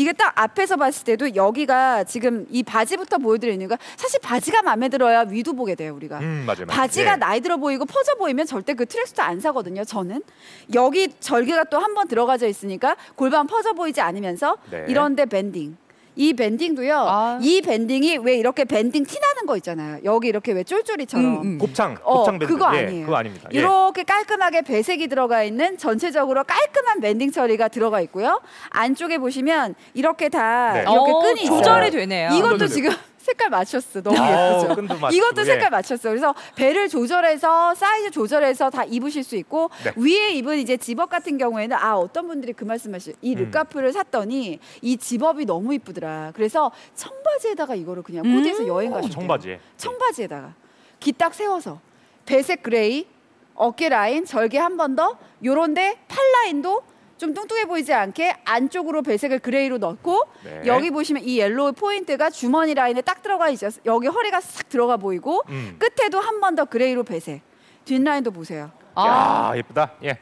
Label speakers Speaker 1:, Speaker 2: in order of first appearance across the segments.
Speaker 1: 이게 딱 앞에서 봤을 때도 여기가 지금 이 바지부터 보여드리는 이유가 사실 바지가 마음에 들어야 위도 보게 돼요 우리가.
Speaker 2: 맞아요.
Speaker 1: 바지가 나이 들어 보이고 퍼져 보이면 절대 그 트랙수트 안 사거든요. 저는 여기 절개가 또 한 번 들어가져 있으니까 골반 퍼져 보이지 않으면서 이런데 밴딩. 이 밴딩도요. 이 밴딩이 왜 이렇게 밴딩 티 나는 거 있잖아요. 여기 이렇게 왜 쫄쫄이처럼.
Speaker 2: 곱창 밴딩.
Speaker 1: 그거 아니에요.
Speaker 2: 그거 아닙니다.
Speaker 1: 이렇게 깔끔하게 배색이 들어가 있는 전체적으로 깔끔한 밴딩 처리가 들어가 있고요. 안쪽에 보시면 이렇게 다 이렇게 끈이 있어요.
Speaker 3: 조절이 되네요.
Speaker 1: 이것도 지금 색깔 맞췄어. 너무 예쁘죠?
Speaker 2: 끈도 맞추고,
Speaker 1: 이것도 색깔 맞췄어. 그래서 배를 조절해서 사이즈 조절해서 다 입으실 수 있고 위에 입은 이제 집업 같은 경우에는 어떤 분들이 그 말씀하시죠. 이 르카프를 샀더니 이 집업이 너무 이쁘더라. 그래서 청바지에다가 이거를 그냥 코디해서 여행 가셨대요. 청바지에다가 기 딱 세워서 배색 그레이, 어깨 라인, 절개 한 번 더 요런데 팔 라인도 좀 뚱뚱해 보이지 않게 안쪽으로 배색을 그레이로 넣고 여기 보시면 이 옐로우 포인트가 주머니 라인에 딱 들어가 있어요. 여기 허리가 싹 들어가 보이고 끝에도 한 번 더 그레이로 배색. 뒷라인도 보세요.
Speaker 2: 야, 예쁘다. 예.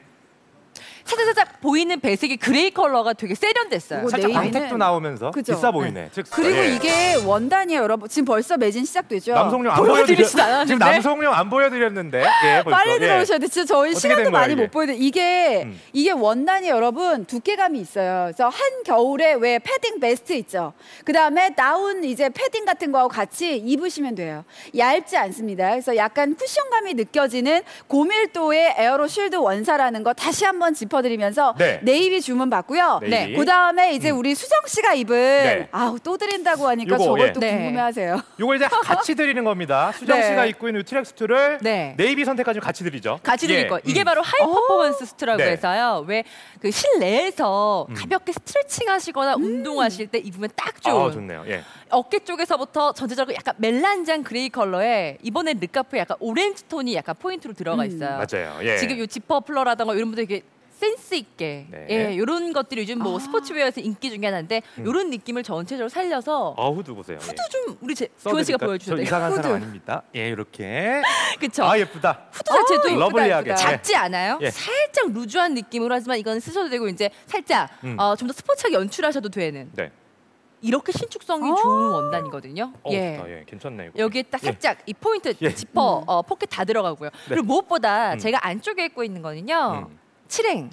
Speaker 3: 살짝 보이는 배색이 그레이 컬러가 되게 세련됐어요.
Speaker 2: 살짝 광택도 나오면서
Speaker 1: 그죠?
Speaker 2: 비싸 보이네.
Speaker 1: 그리고 이게 원단이에요, 여러분. 지금 벌써 매진 시작되죠.
Speaker 2: 남성용 안 보여드렸는데. 지금 남성용 안 보여드렸는데. 예, 벌써.
Speaker 1: 빨리 들어오셔야 돼. 진짜 저희 시간도 많이 못 보여드려. 이게 원단이 여러분 두께감이 있어요. 그래서 한겨울에 왜 패딩 베스트 있죠. 그 다음에 다운 이제 패딩 같은 거하고 같이 입으시면 돼요. 얇지 않습니다. 그래서 약간 쿠션감이 느껴지는 고밀도의 에어로 쉴드 원사라는 거 다시 한번 짚어드리면서 네이비 주문 받고요. 그 다음에 이제 우리 수정 씨가 입은 또 드린다고 하니까 저걸 또 궁금해하세요.
Speaker 2: 요걸 이제 같이 드리는 겁니다. 수정 씨가 입고 있는 이 트랙수트를 네이비 선택까지 같이 드리죠.
Speaker 3: 같이 드릴 거예요. 이게 바로 하이 퍼포먼스 수트라고 해서요. 왜 그 실내에서 가볍게 스트레칭 하시거나 운동하실 때 입으면 딱 좋은.
Speaker 2: 좋네요.
Speaker 3: 어깨 쪽에서부터 전체적으로 약간 멜란장 그레이 컬러에 이번에 르카프에 약간 오렌지 톤이 약간 포인트로 들어가 있어요.
Speaker 2: 맞아요.
Speaker 3: 지금 이 지퍼 플러라던가 이런 분들 되게 센스 있게 이런 것들이 요즘 뭐 스포츠웨어에서 인기 중에 하나인데 이런 느낌을 전체적으로 살려서
Speaker 2: 후드 보세요.
Speaker 3: 후드 좀 우리 교원 씨가 보여주세요.
Speaker 2: 저 이상한 사람 아닙니다. 이렇게.
Speaker 3: 그쵸?
Speaker 2: 예쁘다.
Speaker 3: 후드 자체도
Speaker 2: 러블리하게
Speaker 3: 작지 않아요? 살짝 루즈한 느낌으로 하지만 이건 쓰셔도 되고 이제 살짝 좀 더 스포츠하게 연출하셔도 되는. 이렇게 신축성이 좋은 원단이거든요.
Speaker 2: 좋다. 괜찮네 이거.
Speaker 3: 여기에 딱 살짝 이 포인트 지퍼 포켓 다 들어가고요. 그리고 무엇보다 제가 안쪽에 입고 있는 거는요. 칠행.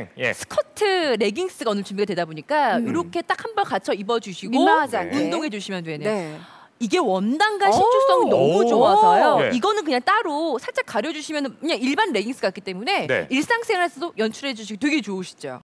Speaker 3: 스커트 레깅스가 오늘 준비가 되다 보니까 이렇게 딱 한 벌 갖춰 입어주시고
Speaker 1: 민망하지 않게
Speaker 3: 운동해 주시면 되네요. 이게 원단과 신축성이 너무 좋아서요. 이거는 그냥 따로 살짝 가려주시면 그냥 일반 레깅스 같기 때문에 일상생활에서도 연출해 주시기 되게 좋으시죠.